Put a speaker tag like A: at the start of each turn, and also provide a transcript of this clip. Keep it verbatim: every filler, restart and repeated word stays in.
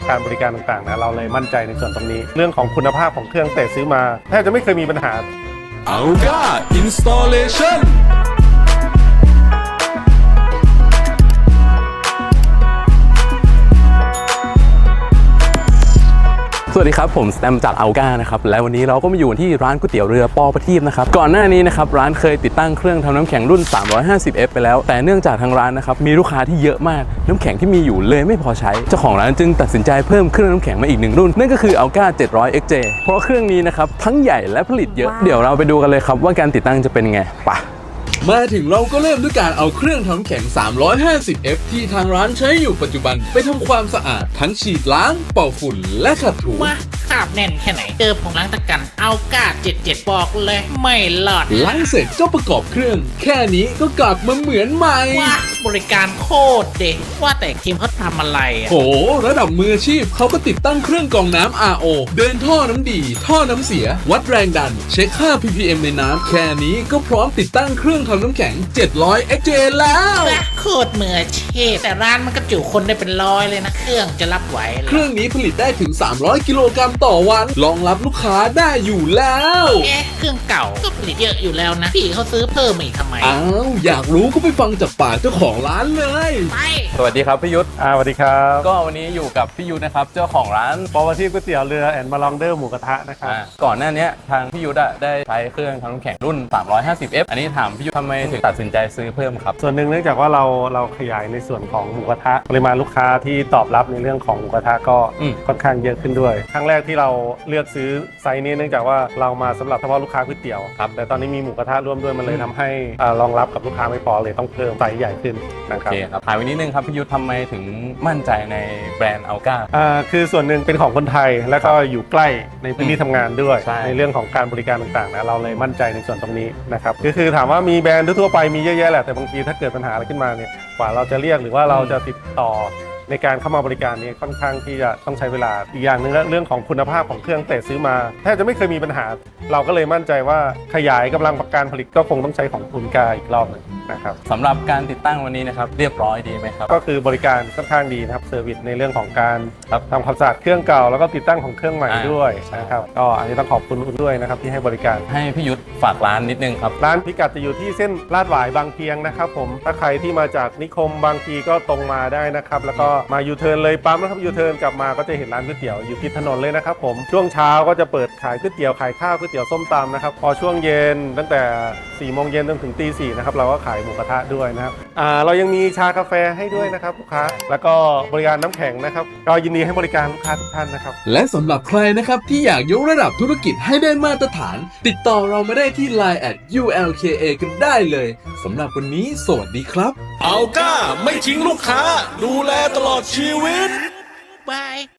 A: การบริการต่างๆนะเราเลยมั่นใจในส่วนตรงนี้เรื่องของคุณภาพของเครื่องแต่ซื้อมาแทบจะไม่เคยมีปัญหา
B: Alga Installation
C: สวัสดีครับผมสแตมจากอัลกานะครับและวันนี้เราก็มาอยู่ที่ร้านก๋วยเตี๋ยวเรือปอประทีปนะครับก่อนหน้านี้นะครับร้านเคยติดตั้งเครื่องทำน้ำแข็งรุ่น สามร้อยห้าสิบเอฟ ไปแล้วแต่เนื่องจากทางร้านนะครับมีลูกค้าที่เยอะมากน้ำแข็งที่มีอยู่เลยไม่พอใช้เจ้าของร้านจึงตัดสินใจเพิ่มเครื่องน้ำแข็งมาอีกหนึ่งรุ่นนั่นก็คืออัลกา เจ็ดร้อย เอ็กซ์ เจ เพราะเครื่องนี้นะครับทั้งใหญ่และผลิตเยอะเดี๋ยวเราไปดูกันเลยครับว่าการติดตั้งจะเป็นไงไป
B: มาถึงเราก็เริ่มด้วยการเอาเครื่องทำน้ำแข็ง สามร้อยห้าสิบเอฟ ที่ทางร้านใช้อยู่ปัจจุบันไปทำความสะอาดทั้งฉีดล้างเป่าฝุ่นและขัดถู
D: ว่าขาบแน่นแค่ไหนเจอผงล้างตะกันเอากาเจ็ดเจ็ดบอกเลยไม่หลอด
B: ล้างเสร็จก็ประกอบเครื่องแค่นี้ก็กลับมาเหมือนใหม่
D: ว่าบริการโคตรเด็ดว่าแต่ทีมเขาทำอะไรอ่ะ
B: โหระดับมืออาชีพเขาก็ติดตั้งเครื่องกรองน้ำ อาร์ โอ เดินท่อน้ำดีท่อน้ำเสียวัดแรงดันเช็คค่า พี พี เอ็ม ในน้ำแค่นี้ก็พร้อมติดตั้งเครื่องทำน้ำแข็งเจ็ดร้อย เอ็กซ์ เจ แล้ว
D: โคตรมืออาชีพแต่ร้านมันก็จุคนได้เป็นร้อยเลยนะเครื่องจะรับไหว
B: เครื่องนี้ผลิตได้ถึงสามร้อยกิโลกรัมต่อวันรองรับลูกค้าได้อยู่แล้ว
D: เอ๊ะเครื่องเก่าก็ผลิตเยอะอยู่แล้วนะพี่เขาซื้อเพิ่มอีกทำไม
B: อ้าวอยากรู้ก็ไปฟังจากปากเจ้าของร้านเลย
D: ไป
C: สวัสดีครับพี่ยุทธ
A: อ่าสวัสดีครับ
C: ก็วันนี้อยู่กับพี่ยุทธนะครับเจ้าของร้าน
A: ปอประทีปก๋วยเตี๋ยวเรือแอนด์มาลองเดอร์หมูกระทะนะครับ
C: ก่อนหน้านี้ทางพี่ยุทธได้ใช้เครื่องทำน้ำแข็งรุ่น สามร้อยห้าสิบเอฟ อันนี้ถามพี่ยุทธทำไมถึงตัดสินใจซื้อเพิ่มครับ
A: ส่วนหนึ่งเนื่องจากว่าเราเราขยายในส่วนของหมูกระทะปริมาณลูกค้าที่ตอบรับในเรื่องของหมูกระทะก็ค่อนข้างเยอะขึ้นด้วยครั้งแรกที่เราเลือกซื้อไซส์นี้เนื่องจากว่าเรามาสำหรับเฉพาะลูกค้าก๋วยเตี๋ยวครับแต่ตอนนี้มีหมูกระทะร่วมด้วยมันเลยทำให้รองรับกับลูกค้าไม่พอเลยต้องเพิ่มไซส์ใหญ่ขึ้นนะครับ
C: โอเคครับถามวันนี้นึงครับพี่ยุทธทำไมถึงมั่นใจในแบรนด์อัลกา
A: อ่าคือส่วนหนึ่งเป็นของคนไทยแล้วก็อยู่ใกล้ในพื้นที่ทำงานด้วยในเรื่องของการบริการต่างๆนะเราเลยมั่นใจในส่วนตรงนี้นะครับก็คือถามว่ามีแบรนด์ทั่วไปมีเยอะแยะแหละแต่บางทีถ้าเกิดปัญหาอะไรขึ้นมาเนี่ยกว่าเราจะเรียกหรือว่าเราจะติดต่อในการเข้ามาบริการนี้ค่อนข้างที่จะต้องใช้เวลาอีกอย่างหนึ่งเรื่องของคุณภาพของเครื่องแต่ซื้อมาแทบจะไม่เคยมีปัญหาเราก็เลยมั่นใจว่าขยายกำลังการผลิตก็คงต้องใช้ของอุลกาอีกรอบนึงนะครับ
C: สำหรับการติดตั้งวันนี้นะครับเรียบร้อยดีไหมครับ
A: ก็คือบริการค่อนข้างดีนะครับเซอร์วิสในเรื่องของการทำความสะอาดเครื่องเก่าแล้วก็ติดตั้งของเครื่องใหม่ด้วยนะครับก็อันนี้ต้องขอบคุณอุลด้วยนะครับที่ให้บริการ
C: ให้พี่ยุทธฝากร้านนิดนึงครับ
A: ร้านพิกัดจะอยู่ที่เส้นลาดหวายบางเพียงนะครับผมถ้าใครที่มาจากนิคมบางพีก็ตรงมาได้นะครับแล้วก็มายูเทิร์นเลยปั๊มนะครับยูเทิร์นกลับมาก็จะเห็นร้านก๋วยเตี๋ยวอยู่ติดถนนเลยนะครับผมช่วงเช้าก็จะเปิดขายก๋วยเตี๋ยวขายข้าวก๋วยเตี๋ยวส้มตำนะครับพอช่วงเย็นตั้งแต่สี่โมงเย็นจนถึงตีสี่นะครับเราก็ขายหมูกระทะด้วยนะครับอ่าเรายังมีชากาแฟให้ด้วยนะครับลูกค้าแล้วก็บริการน้ำแข็งนะครับก็ยินดีให้บริการลูกค้าทุกท่านนะครับ
B: และสำหรับใครนะครับที่อยากยกระดับธุรกิจให้ได้มาตรฐานติดต่อเรามาได้ที่ ไลน์ แอท ยู แอล เค เอ กันได้เลยสำหรับวันนี้สวัสดีครับ
E: อัลก้าไม่ทิ้งลูกค้าดูแลตลอดชีวิต
D: บาย